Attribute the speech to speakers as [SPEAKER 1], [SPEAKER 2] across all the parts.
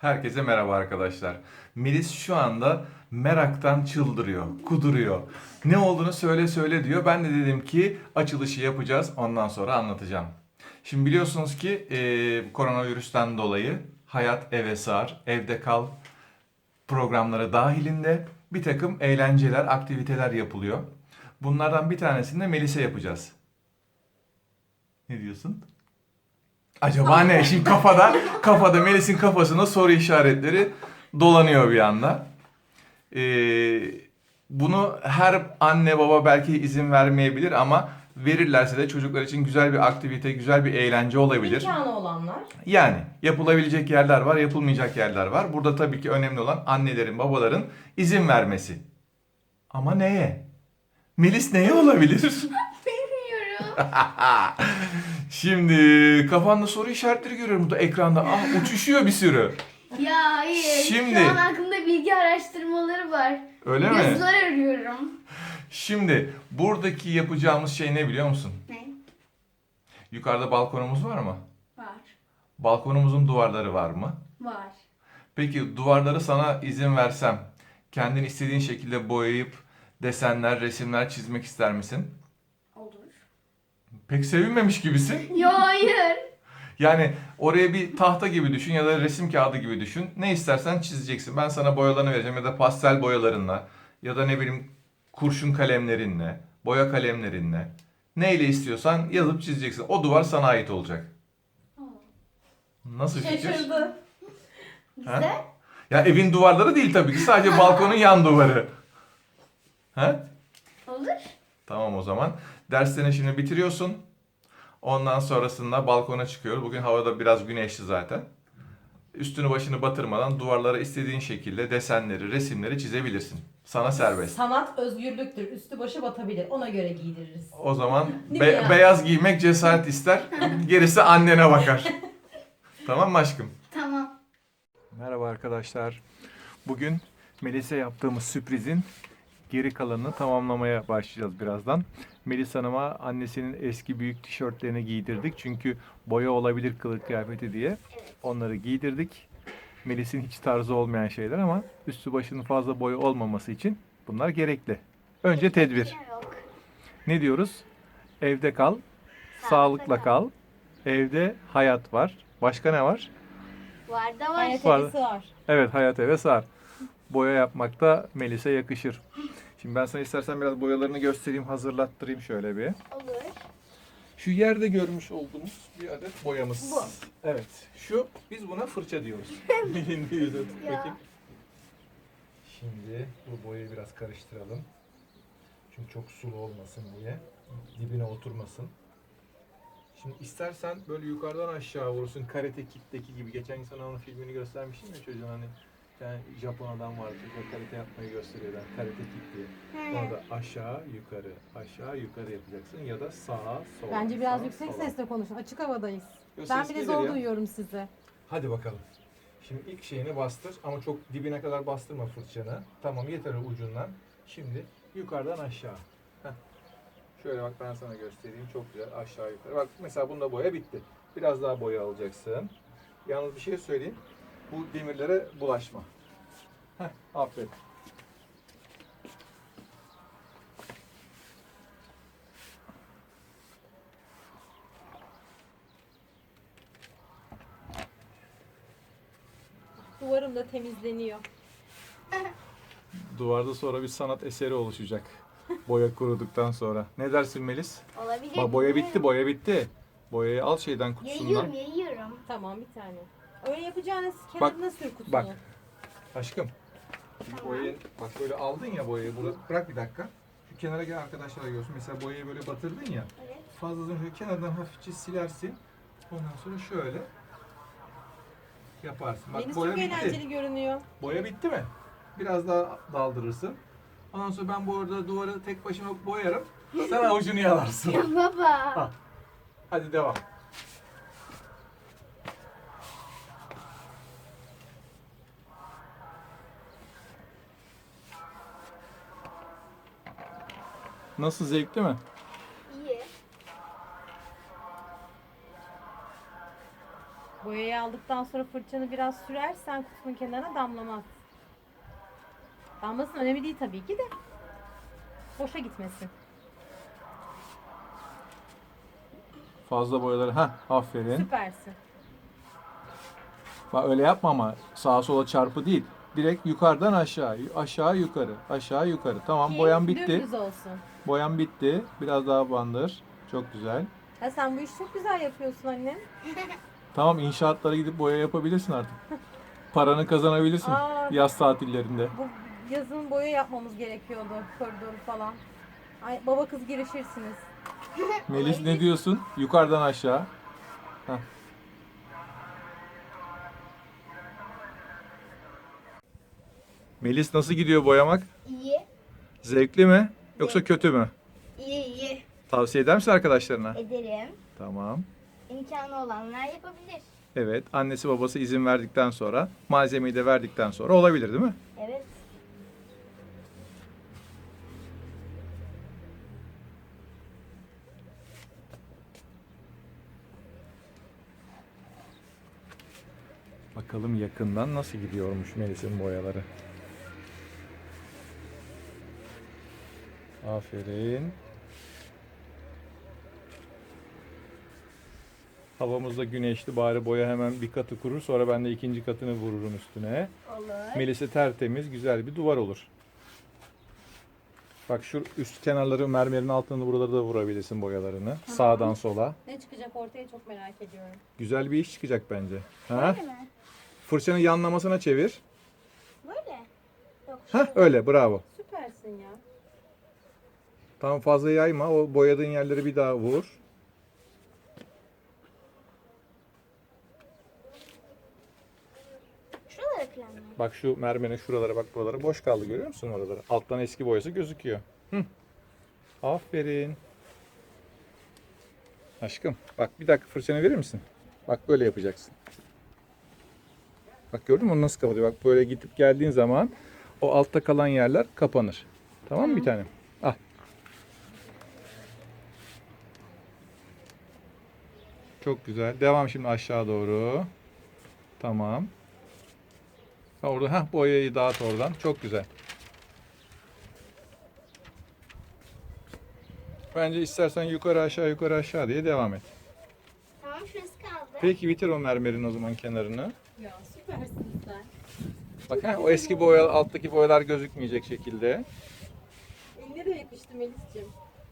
[SPEAKER 1] Herkese merhaba arkadaşlar. Melis şu anda meraktan çıldırıyor, kuduruyor. Ne olduğunu söyle söyle diyor. Ben de dedim ki açılışı yapacağız, ondan sonra anlatacağım. Şimdi biliyorsunuz ki koronavirüsten dolayı hayat eve sığar, evde kal programları dahilinde bir takım eğlenceler, aktiviteler yapılıyor. Bunlardan bir tanesini de Melis'e yapacağız. Ne diyorsun? Acaba ne? Şimdi kafada Melis'in kafasında soru işaretleri dolanıyor bir anda. Ee, Bunu her anne baba belki izin vermeyebilir ama verirlerse de çocuklar için güzel bir aktivite, güzel bir eğlence olabilir.
[SPEAKER 2] İmkanı olanlar.
[SPEAKER 1] Yani yapılabilecek yerler var, yapılmayacak yerler var. Burada tabii ki önemli olan annelerin, babaların izin vermesi. Ama neye? Melis neye olabilir?
[SPEAKER 3] Bilmiyorum.
[SPEAKER 1] Şimdi kafanda soru işaretleri görüyorum burada ekranda. Ah, uçuşuyor bir sürü.
[SPEAKER 3] Ya hayır.
[SPEAKER 1] Şimdi-
[SPEAKER 3] Şu an aklımda bilgi araştırmaları var.
[SPEAKER 1] Öyle mi?
[SPEAKER 3] Yazılar arıyorum.
[SPEAKER 1] Şimdi buradaki yapacağımız şey ne biliyor musun?
[SPEAKER 3] Ne?
[SPEAKER 1] Yukarıda balkonumuz var mı?
[SPEAKER 3] Var.
[SPEAKER 1] Balkonumuzun duvarları var mı?
[SPEAKER 3] Var.
[SPEAKER 1] Peki duvarları sana izin versem, kendin istediğin şekilde boyayıp desenler, resimler çizmek ister misin?
[SPEAKER 3] Olur.
[SPEAKER 1] Pek sevinmemiş gibisin.
[SPEAKER 3] Ya hayır.
[SPEAKER 1] Yani oraya bir tahta gibi düşün ya da resim kağıdı gibi düşün. Ne istersen çizeceksin. Ben sana boyalarını vereceğim ya da pastel boyalarınla ya da ne bileyim kurşun kalemlerinle, boya kalemlerinle. Neyle istiyorsan yazıp çizeceksin. O duvar sana ait olacak. Nasıl fikir?
[SPEAKER 2] Şaşırdı.
[SPEAKER 3] Güzel.
[SPEAKER 1] Ya evin duvarları değil tabii ki. Sadece balkonun yan duvarı. Ha?
[SPEAKER 3] Olur.
[SPEAKER 1] Tamam o zaman. Derslerini şimdi bitiriyorsun. Ondan sonrasında balkona çıkıyoruz. Bugün havada biraz güneşli zaten. Üstünü başını batırmadan duvarlara istediğin şekilde desenleri, resimleri çizebilirsin. Sana serbest.
[SPEAKER 2] Sanat özgürlüktür. Üstü başı batabilir. Ona göre giydiririz.
[SPEAKER 1] O zaman
[SPEAKER 2] Değil mi ya?
[SPEAKER 1] beyaz giymek cesaret ister. Gerisi annene bakar. Tamam mı aşkım?
[SPEAKER 3] Tamam.
[SPEAKER 1] Merhaba arkadaşlar. Bugün Melis'e yaptığımız sürprizin geri kalanını tamamlamaya başlayacağız birazdan. Melis Hanım'a annesinin eski büyük tişörtlerini giydirdik. Çünkü boya olabilir kılık kıyafeti diye. Onları giydirdik. Melis'in hiç tarzı olmayan şeyler ama üstü başının fazla boya olmaması için bunlar gerekli. Önce tedbir.
[SPEAKER 3] Yok.
[SPEAKER 1] Ne diyoruz? Evde kal, sağlıkla kal. Evde hayat var. Başka ne var?
[SPEAKER 3] Var da var.
[SPEAKER 2] Hayat
[SPEAKER 1] Var.
[SPEAKER 2] evisi var.
[SPEAKER 1] Evet, hayat eve sar. Boya yapmak da Melis'e yakışır. Şimdi ben sana istersen biraz boyalarını göstereyim, hazırlattırayım şöyle bir.
[SPEAKER 3] Olur.
[SPEAKER 1] Şu yerde görmüş olduğumuz bir adet boyamız.
[SPEAKER 3] Bu.
[SPEAKER 1] Evet. Biz buna fırça diyoruz. Elinde yüze tut
[SPEAKER 3] Ya.
[SPEAKER 1] bakayım. Şimdi bu boyayı biraz karıştıralım. Çünkü çok sulu olmasın diye. Dibine oturmasın. Şimdi istersen böyle yukarıdan aşağı vurursun. Karate Kid'deki gibi. Geçen gün sana onun filmini göstermiştim ya çocuğun hani. Bir tane Japon adam vardı. Çocuk karate yapmayı gösteriyorlar. Karate Kid diye. Orada aşağı yukarı, aşağı yukarı yapacaksın ya da sağa sola.
[SPEAKER 2] Bence biraz
[SPEAKER 1] sağa,
[SPEAKER 2] yüksek
[SPEAKER 1] sola.
[SPEAKER 2] sesle konuşun. Açık havadayız.
[SPEAKER 1] Yo,
[SPEAKER 2] Ben
[SPEAKER 1] ses
[SPEAKER 2] bile
[SPEAKER 1] gelir
[SPEAKER 2] zor
[SPEAKER 1] ya.
[SPEAKER 2] duyuyorum sizi.
[SPEAKER 1] Hadi bakalım. Şimdi ilk şeyini bastır ama çok dibine kadar bastırma fırçanı. Tamam yeter ucundan. Şimdi yukarıdan aşağı. Heh. Şöyle bak ben sana göstereyim. Çok güzel aşağı yukarı. Bak mesela bunda boya bitti. Biraz daha boya alacaksın. Yalnız bir şey söyleyeyim. Bu demirlere bulaşma. Heh, aferin.
[SPEAKER 2] Duvarım da temizleniyor.
[SPEAKER 1] Duvarda sonra bir sanat eseri oluşacak. Boya kuruduktan sonra. Ne dersin Melis?
[SPEAKER 3] Olabilir.
[SPEAKER 1] Bak boya bitti, boya bitti. Boyayı al şeyden kutusundan.
[SPEAKER 3] Yayıyorum, yayıyorum.
[SPEAKER 2] Tamam bir tane. Öyle yapacağınız kenarına sür kutusunu.
[SPEAKER 1] Bak. Aşkım. Şimdi boyayı bak böyle aldın ya boyayı. Bırak bir dakika. Şu kenara gel arkadaşlar görsün. Mesela boyayı böyle batırdın ya.
[SPEAKER 3] Evet.
[SPEAKER 1] Fazlasını şöyle kenardan hafifçe silersin. Ondan sonra şöyle yaparsın. Bak
[SPEAKER 2] Deniz
[SPEAKER 1] boya
[SPEAKER 2] çok
[SPEAKER 1] bitti.
[SPEAKER 2] eğlenceli görünüyor.
[SPEAKER 1] Boya bitti mi? Biraz daha daldırırsın. Ondan sonra ben bu arada duvarı tek başıma boyarım. Sen avucunu yalarsın.
[SPEAKER 3] Ya baba.
[SPEAKER 1] Al. Hadi devam. Nasıl, zevkli mi?
[SPEAKER 3] İyi.
[SPEAKER 2] Boyayı aldıktan sonra fırçanı biraz sürersen kutunun kenarına damlamaz. Damlasın önemli değil tabii ki de. Boşa gitmesin.
[SPEAKER 1] Fazla boyaları. Ha, aferin.
[SPEAKER 2] Süpersin.
[SPEAKER 1] Bak öyle yapma ama sağa sola çarpı değil. Direkt yukarıdan aşağı, aşağı yukarı, aşağı yukarı. Tamam,
[SPEAKER 2] Ki
[SPEAKER 1] boyan bitti.
[SPEAKER 2] dümdüz olsun.
[SPEAKER 1] Boyan bitti. Biraz daha bandır. Çok güzel.
[SPEAKER 2] Ha, sen bu işi çok güzel yapıyorsun anne.
[SPEAKER 1] Tamam, inşaatlara gidip boya yapabilirsin artık. Paranı kazanabilirsin
[SPEAKER 2] Aa.
[SPEAKER 1] yaz tatillerinde.
[SPEAKER 2] Bu yazın boya yapmamız gerekiyordu. Koridoru falan. Ay, baba kız girişirsiniz.
[SPEAKER 1] Melis ne diyorsun? Yukarıdan aşağı. Heh. Melis nasıl gidiyor boyamak?
[SPEAKER 3] İyi.
[SPEAKER 1] Zevkli mi? Yoksa kötü mü?
[SPEAKER 3] İyi iyi.
[SPEAKER 1] Tavsiye eder misin arkadaşlarına?
[SPEAKER 3] Ederim.
[SPEAKER 1] Tamam.
[SPEAKER 3] İmkanı olanlar yapabilir.
[SPEAKER 1] Evet, annesi babası izin verdikten sonra, malzemeyi de verdikten sonra olabilir değil mi?
[SPEAKER 3] Evet.
[SPEAKER 1] Bakalım yakından nasıl gidiyormuş Melis'in boyaları. Aferin. Havamız da güneşli, bari boya hemen bir katı kurur, sonra ben de ikinci katını vururum üstüne.
[SPEAKER 3] Olur.
[SPEAKER 1] Melis'e tertemiz, güzel bir duvar olur. Bak şu üst kenarları, mermerin altını, buraları da vurabilirsin boyalarını. Sağdan sola.
[SPEAKER 2] Ne çıkacak ortaya çok merak ediyorum.
[SPEAKER 1] Güzel bir iş çıkacak bence. Ha?
[SPEAKER 3] Böyle mi?
[SPEAKER 1] Fırçanı yanlamasına çevir.
[SPEAKER 3] Böyle. Yok.
[SPEAKER 1] Hah, öyle, bravo.
[SPEAKER 2] Süpersin ya.
[SPEAKER 1] Tam fazla yayma, o boyadığın yerleri bir daha vur.
[SPEAKER 3] Şuralara krem mi?
[SPEAKER 1] Bak şu mermerin şuralara, bak buralara boş kaldı, görüyor musun oraları? Alttan eski boyası gözüküyor. Hı. Aferin. Aşkım bak, bir dakika fırçanı verir misin? Bak böyle yapacaksın. Bak gördün mü onu nasıl kapatıyor? Bak böyle gidip geldiğin zaman o altta kalan yerler kapanır. Tamam mı bir tanem? Al. Çok güzel. Devam şimdi aşağı doğru. Tamam. Ha, orada boyayı dağıt oradan. Çok güzel. Bence istersen yukarı aşağı diye devam et.
[SPEAKER 3] Tamam şurası kaldı.
[SPEAKER 1] Peki bitir o mermerin o zaman kenarını.
[SPEAKER 2] Ya süpersin sen.
[SPEAKER 1] Bak o eski boya, alttaki boyalar gözükmeyecek şekilde.
[SPEAKER 2] Eline de yakıştı Melis'ciğim.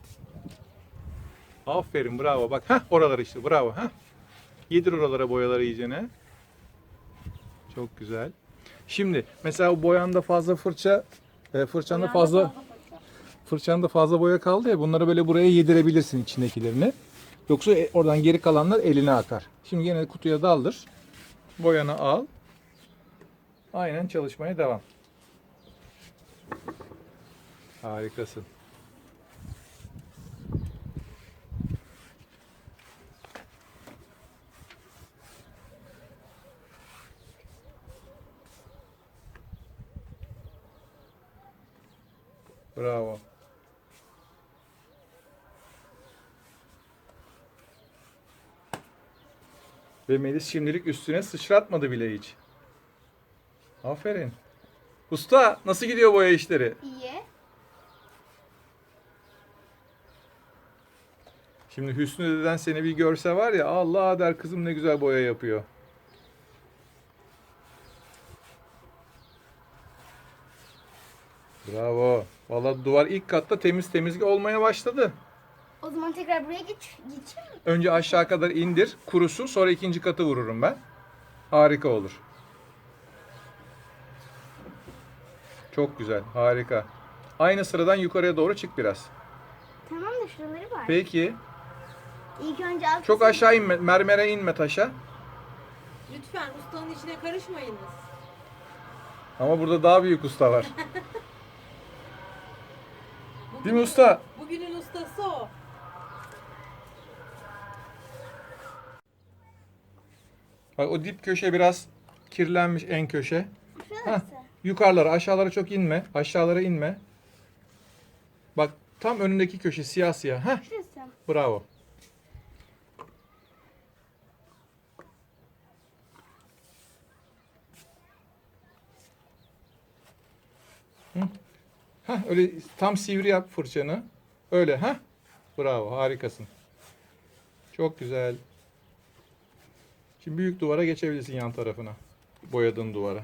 [SPEAKER 1] Aferin, bravo. Bak oralar işte, bravo. Yedir oralara boyaları iyicene. Çok güzel. Şimdi mesela o boyanda fazla fırçanda fazla boya kaldı ya, bunları böyle buraya yedirebilirsin içindekilerini. Yoksa oradan geri kalanlar eline akar. Şimdi yine kutuya daldır. Boyanı al. Aynen çalışmaya devam. Harikasın. Bravo. Ve Melis şimdilik üstüne sıçratmadı bile hiç. Aferin. Usta nasıl gidiyor boya işleri?
[SPEAKER 3] İyi.
[SPEAKER 1] Şimdi Hüsnü deden seni bir görse var ya, Allah der, kızım ne güzel boya yapıyor. Bravo. Vallahi duvar ilk katta temiz olmaya başladı.
[SPEAKER 3] O zaman tekrar buraya geçeyim mi?
[SPEAKER 1] Önce aşağı kadar indir, kurusun, sonra ikinci katı vururum ben. Harika olur. Çok güzel, harika. Aynı sıradan yukarıya doğru çık biraz.
[SPEAKER 3] Tamam da şuraları var.
[SPEAKER 1] Peki.
[SPEAKER 3] İlk önce alt
[SPEAKER 1] Çok aşağı inme, mermere inme taşa.
[SPEAKER 2] Lütfen ustanın içine karışmayınız.
[SPEAKER 1] Ama burada daha büyük usta var. Değil mi usta?
[SPEAKER 2] Bugünün ustası o.
[SPEAKER 1] Bak o dip köşe biraz kirlenmiş, en köşe.
[SPEAKER 3] şurası.
[SPEAKER 1] Yukarılara, aşağılara çok inme. Aşağılara inme. Bak tam önündeki köşe siyah.
[SPEAKER 3] Şurası.
[SPEAKER 1] Bravo. Heh, öyle tam sivri yap fırçanı. Öyle ha? Bravo, harikasın. Çok güzel. Şimdi büyük duvara geçebilirsin, yan tarafına. Boyadığın duvara.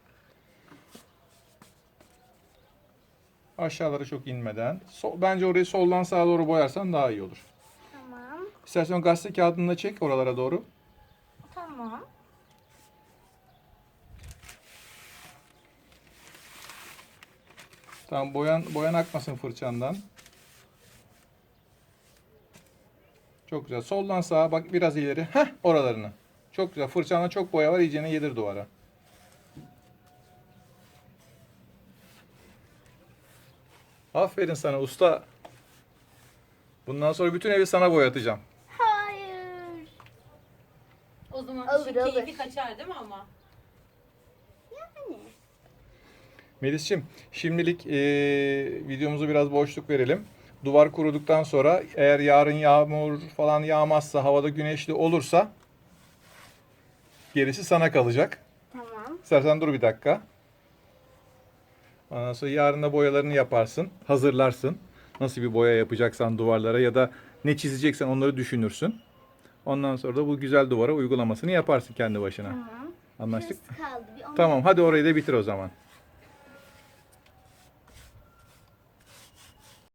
[SPEAKER 1] Aşağılara çok inmeden. Bence orayı soldan sağa doğru boyarsan daha iyi olur.
[SPEAKER 3] Tamam.
[SPEAKER 1] İstersen gazete kağıdını da çek oralara doğru.
[SPEAKER 3] Tamam.
[SPEAKER 1] Tamam, boyan akmasın fırçandan. Çok güzel. Soldan sağa bak, biraz ileri. Heh, oralarını. Çok güzel. Fırçanda çok boya var. İyicene yedir duvara. Aferin sana usta. Bundan sonra bütün evi sana boyatacağım.
[SPEAKER 3] Hayır.
[SPEAKER 2] O zaman
[SPEAKER 3] Alır,
[SPEAKER 2] işin
[SPEAKER 3] alır.
[SPEAKER 2] keyfi kaçar değil mi ama?
[SPEAKER 3] Yani.
[SPEAKER 1] Melis'ciğim, şimdilik videomuzu biraz boşluk verelim. Duvar kuruduktan sonra eğer yarın yağmur falan yağmazsa, havada güneşli olursa gerisi sana kalacak.
[SPEAKER 3] Tamam.
[SPEAKER 1] İstersen dur bir dakika. Ondan sonra yarın da boyalarını yaparsın, hazırlarsın. Nasıl bir boya yapacaksan duvarlara ya da ne çizeceksen onları düşünürsün. Ondan sonra da bu güzel duvara uygulamasını yaparsın kendi başına.
[SPEAKER 3] Tamam.
[SPEAKER 1] Anlaştık mı?
[SPEAKER 3] Şurası kaldı. Bir onu
[SPEAKER 1] Tamam, hadi orayı da bitir o zaman.